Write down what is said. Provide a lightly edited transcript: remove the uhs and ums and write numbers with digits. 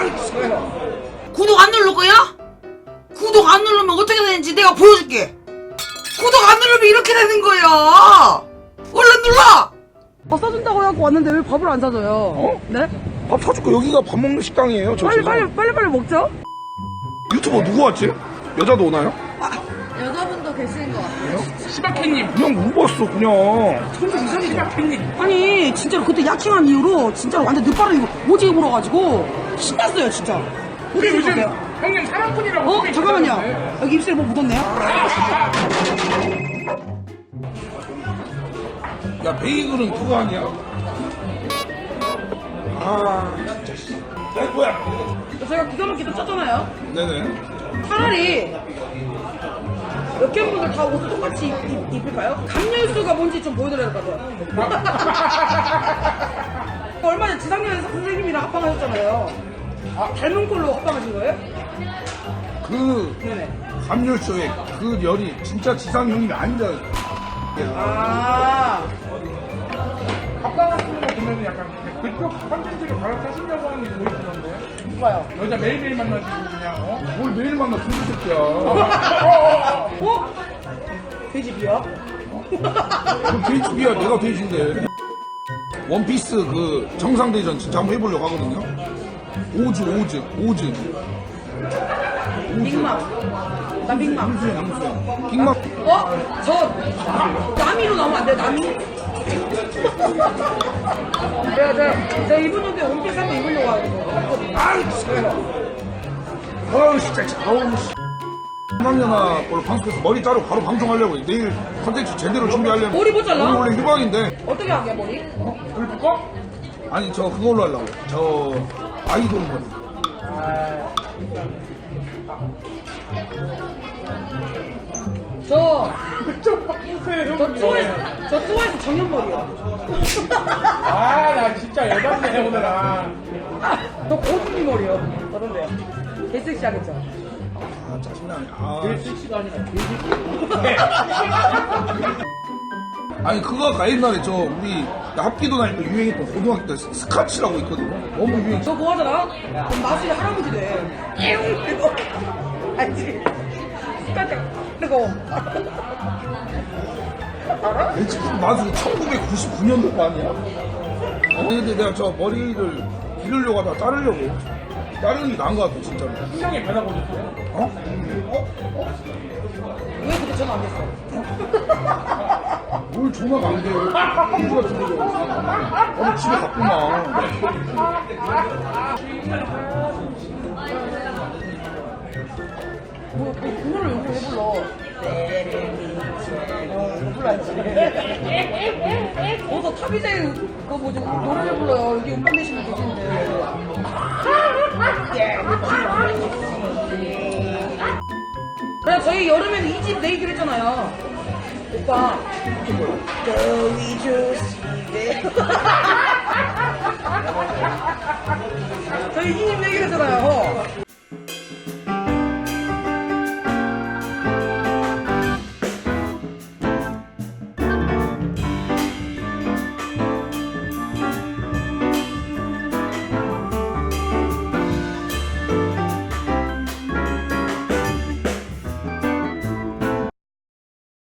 구독 안 누를 거야? 구독 안 누르면 어떻게 되는지 내가 보여줄게. 구독 안 누르면 이렇게 되는 거야. 얼른 눌러. 밥 사준다고 해갖고 왔는데 왜 밥을 안 사줘요? 어? 네? 밥 사줄까? 여기가 밥 먹는 식당이에요. 저 빨리 먹죠? 유튜버 누구 왔지? 여자도 오나요? 여자분도 계시는 것 같아요. 시바캣님. 그냥 물어봤어 그냥. 시바캣님. 아니 진짜로 그때 야킹한 이후로 진짜로 완전 늦바로 오지게 불어가지고 신났어요 진짜. 우리 어떻게 요즘 생각해요? 형님 사랑꾼이라고. 어? 잠깐만요. 여기 입술에 뭐 묻었네요? 야 베이글은 그거 아니야? 아 진짜 씨. 야 뭐야? 저희가 기가 막히게 쪘잖아요. 네네. 차라리 여캠분들 다 옷 똑같이 입을까요? 감열수가 뭔지 좀 보여드려야 될 것 같아요. 얼마 전에 지상렬에서 선생님이랑 합방하셨잖아요. 아, 닮은 꼴로 합방하신 거예요? 그 네네. 감열쇼에 그 열이 진짜 지상형이 아니잖아. 아, 아빠 같은 거 보면은 약간 그쪽 컨텐츠를 갈아타신다고 하는 게 보이시던데. 누가요? 여자 매일매일 만나시고 그냥 뭘 매일 만나 중국 새끼야. 어? 돼지비야? 그 돼지비야 내가 돼지인데. 원피스 그 정상대전 진짜 한번 해보려고 하거든요. 오즈. 빅맘. 나 빅맘. 남수야. 빅맘. 어? 저 남이로 나오면 안 돼요, 남이? 제가 이번 연도에 원피스 한번 입으려고 하거든요. 아우 진짜 아우 씨. 한학년아 걸로 방송해서 머리 자르고 바로 방송하려고 해. 내일 컨텐츠 제대로 준비하려면 머리 못 잘라? 오늘 원래 휴방인데. 어떻게 하게, 머리? 불 붙고 아니 저 그걸로 하려고. 저 아이돌 머리. 저 그쪽 바꾸세요. 저 투어에서 정연머리요. 아나 진짜 열받네 오늘아. 저 고준이 머리요. 어떤데요? 개섹시하겠죠? 아 짜증나네. 아. 섹시가 아니라 아니 그거 아까 옛날에 저 우리 합기도 다닐 때 유행했던 고등학교 때 스카치라고 있거든요. 너무 유행. 저 그거 하잖아? 그럼 마술이 할아버지 돼. 이거 알지? 깜짝 뜨거워. 알아? 내 지금 마술이 1999년도 거 아니야? 근데 내가 저 머리를 기르려고 하다가 자르려고. 자르는 게 나은 것 같아 진짜로. 신랑이 변하고 있어요. 어? 왜 그때 전화 안 했어? 뭘 전화가 안 돼. 공주 같은 데로. 어디 집에 갔구만. 뭐, 그 노래를 요즘 왜 불러? 못 불러야지. 어서 탑이제일 그거 뭐지 노래를 불러요. 여기 음반 내시면 계시는데. 그래 저희 여름에는 이 집 내기로 했잖아요. 오빠. 더위 조심해. 저희 이 집